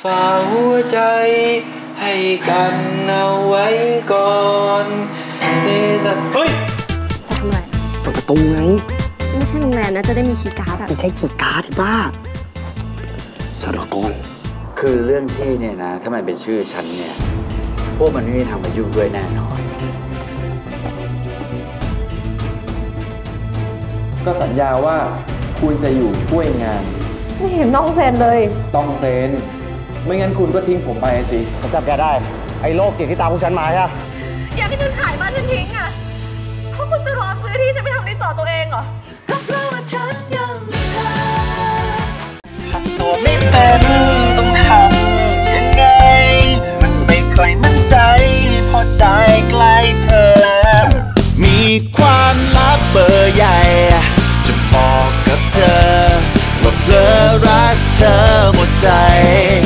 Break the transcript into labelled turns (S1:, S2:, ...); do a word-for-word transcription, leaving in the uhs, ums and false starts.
S1: ฝากหัวใจให้กันเอาไว้ก่อนเฮ้ยจะทำอะไร
S2: เปิดประตูไง
S3: ไม่ใช่โรงแรมนะจะได้มีคีย์การ์ดอะ
S2: ไม่ใช่คีย์การ์ดที่บ้าสารกร
S4: คือเรื่องที่เนี่ยนะถ้ามันเป็นชื่อฉันเนี่ยพวกมันไม่มีทางมายุ่งด้วยแน่นอน
S1: ก็สัญญาว่าคุณจะอยู่ช่วยงาน
S3: ไม่เห็นต้องเซ็นเลย
S1: ต้องเซ็นไม่งั้นคุณก็ทิ้งผมไปสิ
S2: ผมจับแกได้ไอ้โรคจิตที่ตามพวกฉันมาใช่
S5: อยากให้ฉันขายบ้านฉันทิ้งอ่ะเพราะคุณจะรอซื้อที่ฉันไปทำรีสอร์ทตัวเองเหรอ